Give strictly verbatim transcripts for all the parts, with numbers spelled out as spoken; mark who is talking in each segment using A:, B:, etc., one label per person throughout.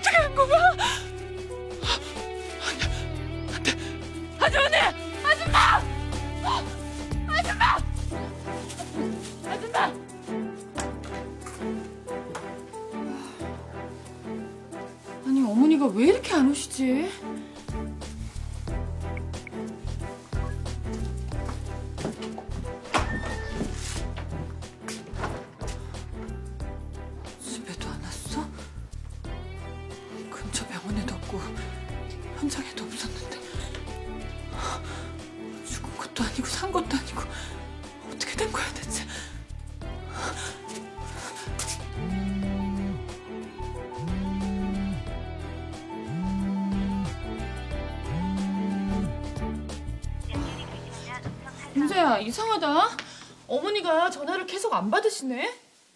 A: 어떻게 한 거야? 안 돼, 아주머니! 아줌마! 아줌마! 아줌마! 아니 어머니가 왜 이렇게 안 오시지? 집에도 안 왔어? 근처 병원에도 없고 현장에도 없었는데 죽은 것도 아니고 산 것도 아니고 어떻게 된 거야 대체? 윤재야 이상하다. 어머니가 전화를 계속 안 받으시네.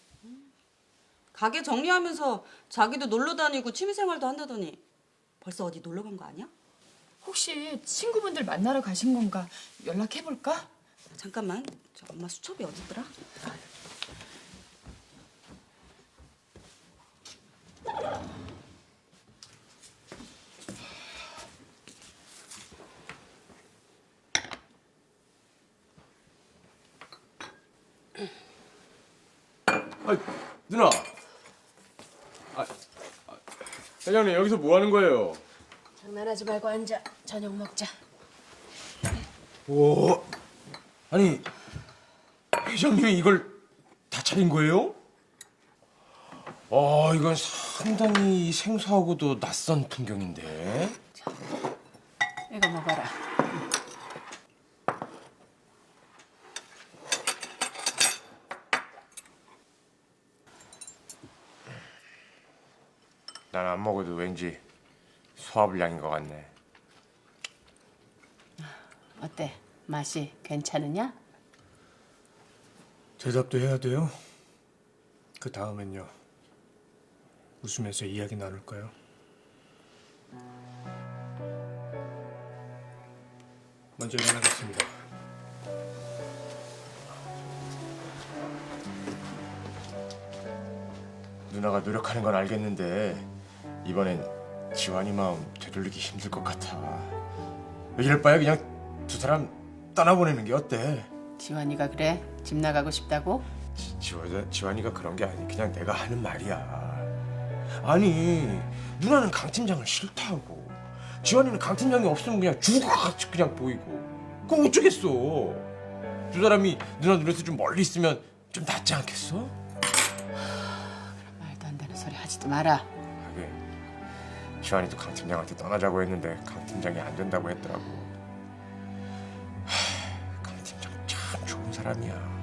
B: 가게 정리하면서 자기도 놀러 다니고 취미생활도 한다더니 벌써 어디 놀러 간 거 아니야?
A: 혹시 친구분들 만나러 가신 건가 연락해볼까?
B: 잠깐만, 저 엄마 수첩이 어딨더라?
C: 아, 누나. 아, 아, 회장님 여기서 뭐 하는 거예요?
D: 장난하지 말고 앉아. 저녁 먹자.
C: 오, 아니 회장님이 이걸 다 차린 거예요? 아, 이건 상당히 생소하고도 낯선 풍경인데.
D: 이거 먹어라.
C: 난 안 먹어도 왠지 소화불량인 것 같네.
D: 어때? 맛이 괜찮으냐?
E: 대답도 해야 돼요? 그 다음엔요. 웃으면서 이야기 나눌까요? 먼저 일어나겠습니다.
C: 누나가 노력하는 건 알겠는데 이번엔 지환이 마음 되돌리기 힘들 것 같아. 이럴 바에 그냥 두 사람 떠나보내는 게 어때?
D: 지환이가 그래? 집 나가고 싶다고?
C: 지, 지환, 지환이가 그런 게 아니, 그냥 내가 하는 말이야. 아니, 누나는 강 팀장을 싫다고. 지환이는 강 팀장이 없으면 그냥 죽어같이 그냥 보이고. 그럼 어쩌겠어. 두 사람이 누나 눈에서 좀 멀리 있으면 좀 낫지 않겠어?
D: 말도 안 되는 소리 하지도 마라.
C: 하긴 지환이도 강 팀장한테 떠나자고 했는데 강 팀장이 안 된다고 했더라고. 하, 강 팀장 참 좋은 사람이야.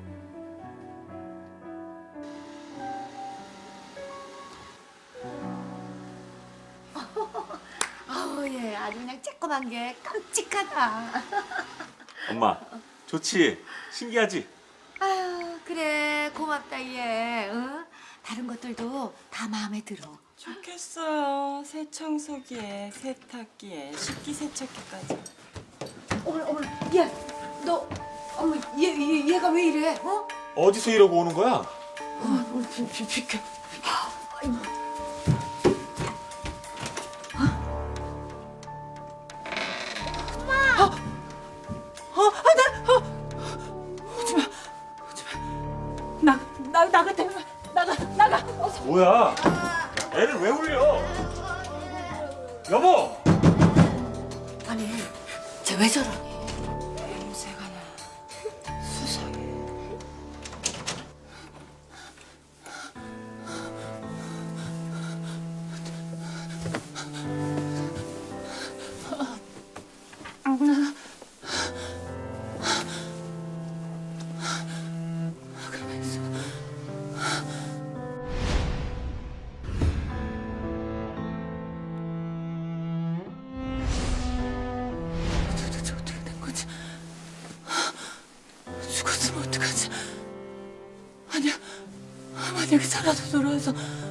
D: 아우 얘 아주 그냥 쬐꼬만 게 깜찍하다.
F: 엄마, 좋지? 신기하지?
D: 아유 그래 고맙다 얘. 응? 다른 것들도 다 마음에 들어.
G: 좋겠어요. 세청소기에 세탁기에 식기세척기까지.
D: 어머 어머 얘너 어머 얘, 얘 얘가 왜 이래? 어?
F: 어디서 이러고 오는 거야?
A: 비, 비, 비켜. 나, 나, 나가, 나가, 나가, 나가. 어서.
F: 뭐야? 애를 왜 울려? 여보!
D: 아니 쟤 왜 저러니?
A: 냄새가 나. 수상해. 도대체 어떻게 된 거지? 죽었으면 어떡하지? 아니야, 만약에 살아서 돌아와서